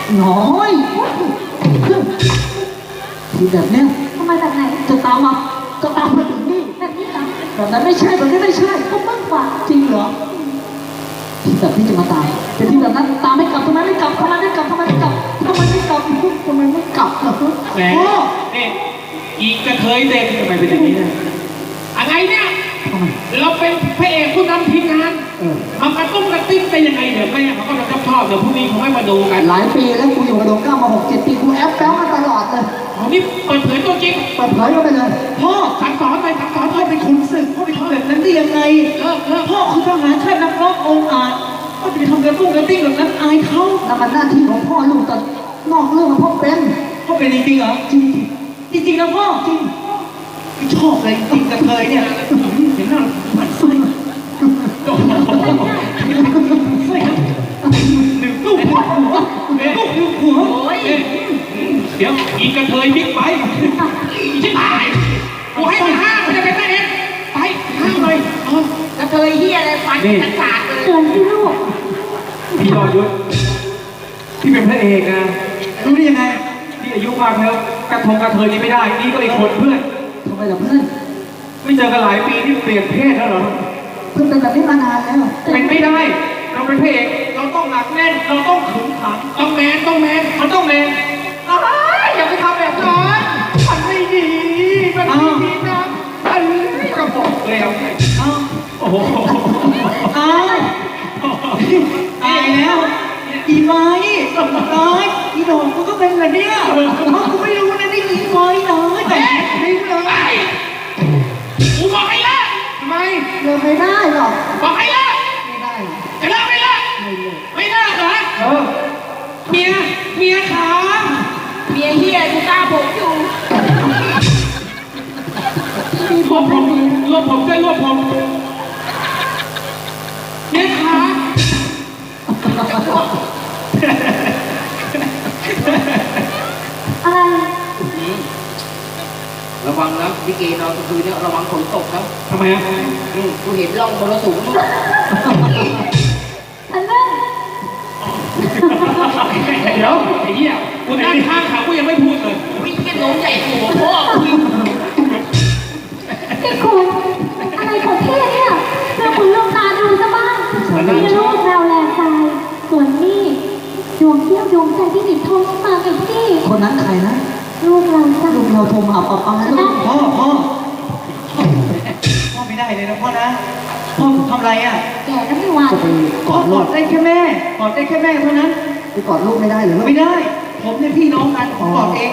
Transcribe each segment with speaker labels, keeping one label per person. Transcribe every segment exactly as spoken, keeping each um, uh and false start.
Speaker 1: น้อยทีแบบเนี้ย
Speaker 2: ทำไมแบบไหน
Speaker 1: จะตามมาจะตามมาถึงนี่
Speaker 2: แบบนี้เหรอ
Speaker 1: แบบนั้นไม่ใช่แบบนี้ไม่ใช่
Speaker 2: ก็มากกว่า
Speaker 1: จริงเหรอที่แบบนี้จะมาตามแต่ที่แบบนั้นตามไม่กลับทำไมไม่กลับทำไมไม่กลับทำไมไม่กลับทำไมไม่กลับทำไมไม่กลับล่ะ
Speaker 3: แหมนี่อีกกระเทยเด็กทำไมเป็นอย่างนี้เนี่ยอะไรเนี่ยเราเป็นพระเอกผู้นำทีมงานมากระตุ้นกระติ้งไปยังไงเดี๋ยวแม่เขาก็จะชอบชอบเดี๋ยวพรุ่งนี้เขาไม่มาดูกัน
Speaker 1: หลายปีแล้วกูอยู่กับโดงก้ามาหกเจ็ดปีกูแอปแป๊วมาตลอดเลย
Speaker 3: อ๋อนี่เปิดเผยตัวจริง
Speaker 1: เปิดเผยก็ไปเลย
Speaker 3: พ่อสั่งสอนไปสั่งสอนพ่อเป็นขุนศึกพ่อไปทำแบบนั้นได้ยังไง
Speaker 1: เออเออพ่อคือทหารชาตินักรบองค์อาจพ่อจะไปทำกระตุ้นกระติ้งแบบนั้นอายเขานั่นมันหน้าที่ของพ่อลูกแต่นอกเรื่องพ่อเป็นพ่อเป็นจริงๆเหรอจริงจริงๆนะพ่อจริงชอบเลยจริงกระเทยเนี่ยเห็นหน้าหมันไส้หนึ่งลูกหัวลูกหัว
Speaker 3: เดี๋ยวอีกกระเทยบิ๊กไบค์ชิบหายกูให้ไปห้ามันจะเป็นแม่เองไปห้าเลย
Speaker 2: กระเทยเฮียอะไรฟันกระสาดเลยเตือนสิลูก
Speaker 3: พี่ยอดยุทธพี่เป็นพระเอกนะ
Speaker 1: รู้ได้ยังไง
Speaker 3: พี่อายุมากแล้วกระทงกระเทยนี่ไม่ได้นี่ก็อีกคนเพื่อน
Speaker 1: ทำไมล่ะเพื่อน
Speaker 3: ไม่เจอกันหลายปีที่เปลี่ยนเพศแล้วเหรอ
Speaker 1: เพื่อนเป็นแบบนี้มานานแล้ว
Speaker 3: เป็นไม่ได้เราเป็นพระเอกเราต้องหนักแน่นเราต้องขึงขังต้องแมนต้องแมนมันต้องแมนอย่าไปทำแบบนั้นมันไม่ดีมันไม่ดีนะอันนี้กระบอกแล้วโอ้โห
Speaker 1: อ้าวตายแล้วอีไม้ตายอีดอกกูก็เป็นแบบเนี้ยกูไม่รู้นะนี่อีไม้ตายแต่ไม่เลย
Speaker 3: กูบอกให้ละทำไม
Speaker 1: เลิกไม่ได้หรอก
Speaker 3: บอกให้ละ
Speaker 1: ไม่ได้
Speaker 3: จะเลิกไม่ละไม่เลิกเหรอเออเมียเมียขา
Speaker 2: เมียเฮียกูกล้าผมอยู่
Speaker 3: รวบผมรวบผมด้วยรวบผมเมียขา
Speaker 2: อะไร
Speaker 4: ระวังนะพี่เกนอนคืนนี้ระวังฝนตกนะ
Speaker 3: ทำไมอ่ะ
Speaker 4: กูเห็นร่องมรสุม
Speaker 2: อันนั้น
Speaker 3: เดี๋ยวไอ้เหี้ยกูนั่งข้างเขากูยังไม่พูดเลย
Speaker 4: วิ่งแค่โน้มใหญ่หัวพ่อ
Speaker 2: พี่คุณอะไรของเท่เนี่ยเพื่อคุณลงตาดูซะบ้างมีลูกแววแรงใจส่วนนี่ดวงเที่ยวดวงใจที่ติดทองมากับพี่
Speaker 1: คนนั้นใครนะ
Speaker 2: ลูกเราจ้ะ
Speaker 1: ลูกเราโทรมาเอาเอาแล้วพ่อพ่อพ่อไม่ได้เลยนะพ่อนะพ่อทำไรอ่ะ
Speaker 2: แก่แล้วไม่ไหว
Speaker 1: กอดกอดได้แค่แม่กอดได้แค่แม่เท่านั้นไปกอดลูกไม่ได้หรือไม่ได้ผมเนี่ยพี่น้องกันผมกอดเอง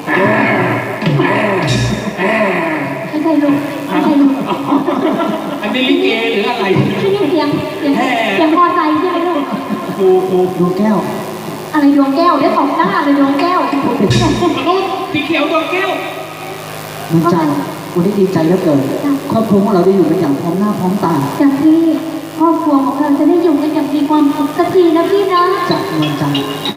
Speaker 2: ไม่ใช่ลูกไม่ใช่ลูก
Speaker 3: อันนี้ลิเกหรืออะไร
Speaker 2: ไม่ใช่เสียงเสียงเสียงพอใจใช่ไหมลูก
Speaker 3: ฟูฟู
Speaker 1: ดวงแก้ว
Speaker 2: อะไรดวงแก้วเดี๋ยวตบหน้าเลยดวงแก้ว
Speaker 3: มนุษย์สีเขียวดวงแก้ว
Speaker 1: น้ำใจวันนี้ดีใจแล้วเกิดครอบครัวของเราได้อยู่กันอย่างพร้อมหน้าพร้อมตา
Speaker 2: จากที่ครอบครัวของเราจะได้อยู่กันอย่างมีความสุขสักทีนะพี่นะ
Speaker 1: จากเมืองจันทร์